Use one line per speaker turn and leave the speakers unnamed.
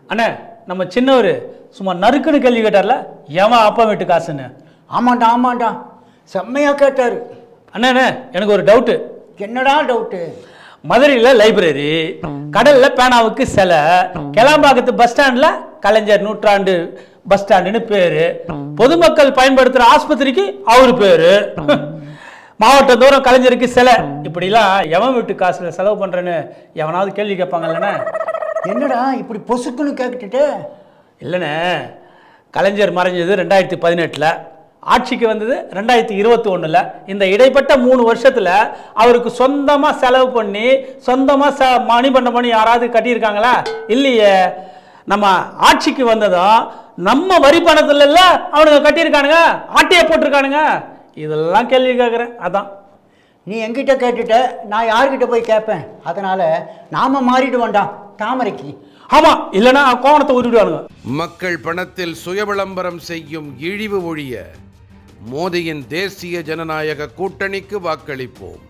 அண்ணே நம்ம சின்னவர் சும்மா நறுக்குன்னு கேள்வி கேட்டார்ல, எவன் அப்பா வீட்டு காசுன்னு.
ஆமாண்டா செம்மையாக கேட்டார்.
அண்ணே எனக்கு ஒரு டவுட்டு.
என்னடா டவுட்டு?
மதுரையில் லைப்ரரி, கடலில் பேனாவுக்கு சிலை, கிளம்பாக்கத்து பஸ் ஸ்டாண்டில் கலைஞர் நூற்றாண்டு பஸ் ஸ்டாண்டுன்னு பேர், பொதுமக்கள் பயன்படுத்துகிற ஆஸ்பத்திரிக்கு அவர் பேர், மாவட்டம் தூரம் கலைஞருக்கு சிலை, இப்படிலாம் எவன் வீட்டு காசில் செலவு பண்ணுறேன்னு எவனாவது கேள்வி கேட்பாங்கல்லண்ணே.
என்னடா இப்படி பொசுக்குன்னு கேட்டுட்டு?
இல்லைண்ணே, கலைஞர் மறைஞ்சது 2018, ஆட்சிக்கு வந்தது 2021. இந்த இடைப்பட்ட 3 வருஷத்தில் அவருக்கு சொந்தமாக செலவு பண்ணி சொந்தமாக மணிமண்டம் பண்ணி யாராவது கட்டியிருக்காங்களா? இல்லையே. நம்ம ஆட்சிக்கு வந்ததும் நம்ம வரி பணத்துல அவனுங்க கட்டியிருக்கானுங்க, ஆட்டையை போட்டிருக்கானுங்க. இதெல்லாம் கேள்வி கேட்குறேன். அதான்
நீ என்கிட்ட கேட்டுட்ட, நான் யார்கிட்ட போய் கேட்பேன்? அதனால் நாம் மாறிட்டு வேண்டாம் தாமரைக்கு.
ஆமாம், இல்லைன்னா கோவணத்தை உருவிடுவானுங்க.
மக்கள் பணத்தில் சுய விளம்பரம் செய்யும் இழிவு ஒழிய மோடியின் தேசிய ஜனநாயக கூட்டணிக்கு வாக்களிப்போம்.